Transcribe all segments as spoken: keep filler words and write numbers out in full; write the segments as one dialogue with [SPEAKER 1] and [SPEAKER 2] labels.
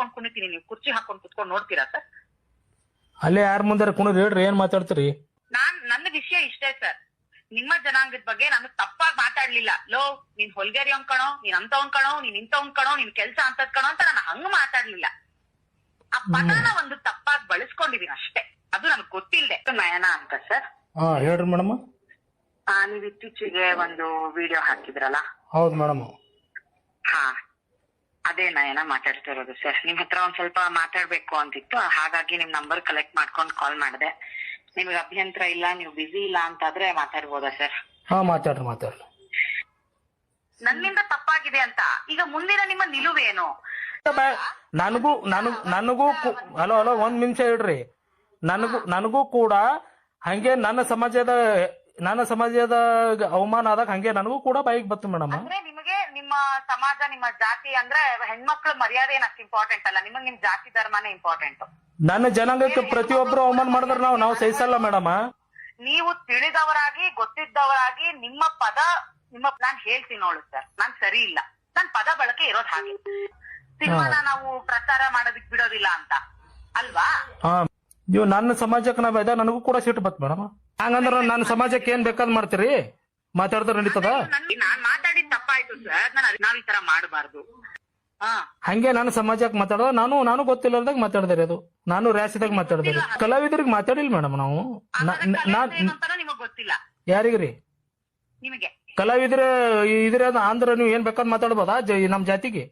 [SPEAKER 1] ಬಿಚ್ಕೊಂಡ್ ಕುಣಿತೀನಿ, ನೀವು ಕುರ್ಚಿ ಹಾಕೊಂಡ್ ಕುತ್ಕೊಂಡ್ ನೋಡ್ತೀರಾ ಸರ್?
[SPEAKER 2] ಅಲ್ಲೇ ಯಾರ ಮುಂದಾರ ಕುಣಿದ್ರಿ ಹೇಳ್ರಿ, ಏನ್ ಮಾತಾಡ್ತೀರಿ?
[SPEAKER 1] ನಾನ್ ನನ್ನ ವಿಷಯ ಇಷ್ಟೇ ಸರ್, ನಿಮ್ಮ ಜನಾಂಗದ ಬಗ್ಗೆ ನಾನು ತಪ್ಪಾಗಿ ಮಾತಾಡ್ಲಿಲ್ಲ. ಲೋ ನೀನ್ ಹೊಲ್ಗೇರಿ ಅವ್ನ್ ಕಣೋ, ನೀನ್ ಅಂತವನ್ ಕಣೋ, ನೀನ್ ಇಂಥವನ್ ಕಣೋ, ನಿನ್ ಕೆಲ್ಸ ಅಂತದ್ ಕಣೋ ಅಂತ ನಾನು ಹಂಗ ಮಾತಾಡ್ಲಿಲ್ಲ. ಆ ಪದನ ಒಂದು ತಪ್ಪಾಗಿ ಬಳಸ್ಕೊಂಡಿದೀನಿ ಅಷ್ಟೇ, ಅದು ನನಗ್ ಗೊತ್ತಿಲ್ದೆ. ನಯನ ಅಂತ ಸರ್.
[SPEAKER 2] ಹಾ ಹೇಳ್ರಿ ಮೇಡಮ್.
[SPEAKER 1] ಆ ನೀವ್ ಇತ್ತೀಚೆಗೆ ಒಂದು ವಿಡಿಯೋ ಹಾಕಿದ್ರಲ್ಲ?
[SPEAKER 2] ಹೌದು ಮೇಡಮ್.
[SPEAKER 1] ಹಾ ಅದೇ ನಯನ ಮಾತಾಡ್ತಿರೋದು ಸರ್. ನಿಮ್ ಹತ್ರ ಒಂದ್ ಸ್ವಲ್ಪ ಮಾತಾಡ್ಬೇಕು ಅಂತಿತ್ತು, ಹಾಗಾಗಿ ನಿಮ್ ನಂಬರ್ ಕಲೆಕ್ಟ್ ಮಾಡ್ಕೊಂಡ್ ಕಾಲ್ ಮಾಡಿದೆ. ನಿಮ್ಗೆ ಅಭ್ಯಂತರ ಇಲ್ಲ, ನೀವು ಬಿಸಿ ಇಲ್ಲ ಅಂತಾದ್ರೆ ಮಾತಾಡ್ಬೋದಾ ಸರ್?
[SPEAKER 2] ಹಾ ಮಾತಾಡ್ರಿ ಮಾತಾಡ್ರಿ.
[SPEAKER 1] ನನ್ನಿಂದ ತಪ್ಪಾಗಿದೆ ಅಂತ ಈಗ ಮುಂದಿನ ನಿಮ್ಮ ನಿಲುವೇನು?
[SPEAKER 2] ನನಗೂ ನನಗ್ ನನಗೂ ಹಲೋ ಹಲೋ ಒಂದ್ ನಿಮಿಷ ಹೇಳ್ರಿ. ನನಗೂ ನನಗೂ ಕೂಡ ಹಂಗೆ ನನ್ನ ಸಮಾಜದ ನನ್ನ ಸಮಾಜದ ಅವಮಾನ ಆದಾಗ ಹಂಗೆ ನನಗೂ ಕೂಡ ಬೈಕ್ ಬತ್ತು ಮೇಡಮ್.
[SPEAKER 1] ಅಂದ್ರೆ ನಿಮಗೆ ನಿಮ್ಮ ಸಮಾಜ, ನಿಮ್ಮ ಜಾತಿ ಅಂದ್ರೆ ಹೆಣ್ಮಕ್ಳ ಮರ್ಯಾದೆ ಏನ್ ಅಷ್ಟು ಇಂಪಾರ್ಟೆಂಟ್ ಅಲ್ಲ, ನಿಮಗ್ ನಿಮ್ ಜಾತಿ ಧರ್ಮನೇ ಇಂಪಾರ್ಟೆಂಟ್.
[SPEAKER 2] ನನ್ನ ಜನಾಂಗಕ್ಕೆ ಪ್ರತಿಯೊಬ್ರು ಅವಮಾನ ಮಾಡಿದ್ರೆ ನಾವು ನಾವು ಸಹಿಸಲ್ಲ ಮೇಡಮ್.
[SPEAKER 1] ನೀವು ತಿಳಿದವರಾಗಿ ಗೊತ್ತಿದ್ದವರಾಗಿ ನಿಮ್ಮ ಪದ ನಿಮ್ಮ ನಾನ್ ಹೇಳ್ತೀನಿ ನೋಡು ಸರ್, ನಾನ್ ಸರಿ ಇಲ್ಲ, ನನ್ ಪದ ಬಳಕೆ ಇರೋದ್ ಹಾಗೆ. ಸಿನಿಮಾನ ನಾವು ಪ್ರಚಾರ ಮಾಡೋದಿಕ್ ಬಿಡೋದಿಲ್ಲ ಅಂತ ಅಲ್ವಾ?
[SPEAKER 2] ಹಾ ನೀವು ನನ್ನ ಸಮಾಜಕ್ಕೆ ನಾವ್ ಇದ ನನಗೂ ಕೂಡ ಸಿಟ್ಟು ಬತ್ ಮೇಡಮ್. ಹಂಗಂದ್ರ ನನ್ನ ಸಮಾಜಕ್ಕೆ ಏನ್ ಬೇಕಾದ್ ಮಾಡ್ತೀರಿ? ಮಾತಾಡಿದ್ರೆ ನಡೀತದ?
[SPEAKER 1] ನಾನ್ ಮಾತಾಡಿದ್ ತಪ್ಪಾಯ್ತು ಸರ್, ನಾವ್ ಈ ತರ ಮಾಡಬಾರ್ದು.
[SPEAKER 2] ಹಂಗೆ ನನ್ನ ಸಮಾಜಕ್ಕೆ ಮಾತಾಡೋದು ನಾನು ನಾನು ಗೊತ್ತಿಲ್ಲದಾಗ ಮಾತಾಡ್ದೆ ಅದು, ನಾನು ರ್ಯಾಸಿದಾಗ ಮಾತಾಡ್ದೆ. ಕಲಾವಿದರಿಗೆ ಮಾತಾಡಿಲ್ಲ ಮೇಡಮ್ ನಾವು.
[SPEAKER 1] ನಿಮಗ್ ಗೊತ್ತಿಲ್ಲ
[SPEAKER 2] ಯಾರಿಗ್ರಿ?
[SPEAKER 1] ನಿಮಗೆ
[SPEAKER 2] ಕಲಾವಿದ್ರ ಇದ್ರ ಅಂದ್ರ ನೀವು ಏನ್ ಬೇಕಾದ್ ಮಾತಾಡ್ಬೋದಾ ನಮ್ ಜಾತಿಗೆ?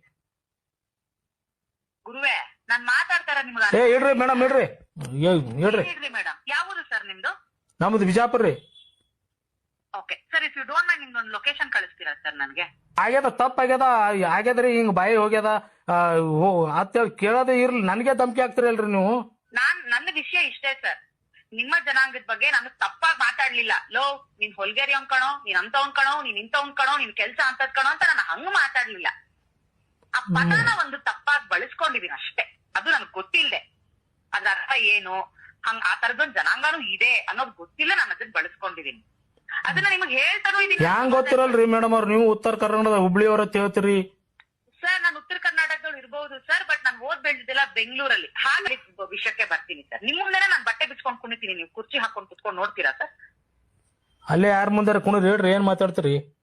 [SPEAKER 1] ಗುರುವೇ ನಾನ್ ಮಾತಾಡ್ತಾರ ನಿಮ್ಗೆ.
[SPEAKER 2] ಏ ಇಡ್ರಿ ಮೇಡಮ್, ಇಡ್ರಿ ಇಡ್ರಿ.
[SPEAKER 1] ಮೇಡಮ್ ಯಾವುದು ಸರ್ ನಿಮ್ದು?
[SPEAKER 2] ನಮ್ದು ಬಿಜಾಪುರ ರೀ.
[SPEAKER 1] Okay sir, if you don't mind ನಿಮ್ದೊಂದು ಲೊಕೇಶನ್ ಕಳಿಸ್ತೀರಾ ಸರ್ ನನ್ಗೆ?
[SPEAKER 2] ಆಗ್ಯದ ತಪ್ಪಾಗ್ಯದ, ಆಗ್ಯದ್ರಿ ಹಿಂಗ್ ಬಾಯಿ ಹೋಗ್ಯದ ಅಂತ ಕೇಳೋದೇ ಇರ್ಲಿ, ನನ್ಗೆ ಧಮಕಿ ಆಗ್ತಿರಲ್ರಿ ನೀವು.
[SPEAKER 1] ನಾನ್ ನನ್ನ ವಿಷಯ ಇಷ್ಟೇ ಸರ್, ನಿಮ್ಮ ಜನಾಂಗದ ಬಗ್ಗೆ ನಾನು ತಪ್ಪಾಗಿ ಮಾತಾಡ್ಲಿಲ್ಲ. ಲೋ ನೀನ್ ಹೊಲ್ಗೇರಿ ಅವ್ನ್ ಕಣೋ, ನೀನ್ ಅಂತವನ್ ಕಣೋ, ನೀನ್ ಇಂಥವನ್ ಕಣೋ, ನಿನ್ ಕೆಲ್ಸ ಅಂತದ್ ಕಣೋ ಅಂತ ನಾನು ಹಂಗ ಮಾತಾಡ್ಲಿಲ್ಲ. ಆ ಪದನ ಒಂದು ತಪ್ಪಾಗಿ ಬಳಸ್ಕೊಂಡಿದೀನಿ ಅಷ್ಟೇ, ಅದು ನನಗ್ ಗೊತ್ತಿಲ್ದೆ. ಅದ್ರ ಅರ್ಥ ಏನು, ಹಂಗ ಆ ತರದೊಂದ್ ಜನಾಂಗನೂ ಇದೆ ಅನ್ನೋದು ಗೊತ್ತಿಲ್ಲ, ನಾನು ಅದನ್ನ ಬಳಸ್ಕೊಂಡಿದೀನಿ. ಅದನ್ನ ನಿಮಗ್ ಹೇಳ್ತಾನೂ ಇದೀನಿ.
[SPEAKER 2] ಹ್ಯಾಂಗ್ ಗೊತ್ತಿರಲ್ರಿ ಮೇಡಮ್ ಅವ್ರು, ನೀವು ಉತ್ತರ ಕರ್ನಾಟಕದ ಹುಬ್ಳಿ ಅವ್ರ ಹೇಳ್ತೀರಿ
[SPEAKER 1] ಸರ್. ನಾನು ಉತ್ತರ ಕರ್ನಾಟಕದವ್ರು ಇರ್ಬಹುದು ಸರ್, ಬಟ್ ನಾನು ಓದ್ ಬೆಳೆದಿದ್ದೆಲ್ಲ ಬೆಂಗಳೂರಲ್ಲಿ. ಹಾಗೆ ವಿಷಯಕ್ಕೆ ಬರ್ತೀನಿ ಸರ್. ನಿಮ್ ಮುಂದೆನೆ ನಾನು ಬಟ್ಟೆ ಬಿಚ್ಕೊಂಡ್ ಕುಣಿತೀನಿ, ನೀವು ಕುರ್ಚಿ ಹಾಕೊಂಡ್ ಕುತ್ಕೊಂಡ್ ನೋಡ್ತೀರಾ ಸರ್?
[SPEAKER 2] ಅಲ್ಲೇ ಯಾರ ಮುಂದಾರ ಕುಣಿದ್ರಿ ಹೇಳ್ರಿ, ಏನ್ ಮಾತಾಡ್ತೀರಿ?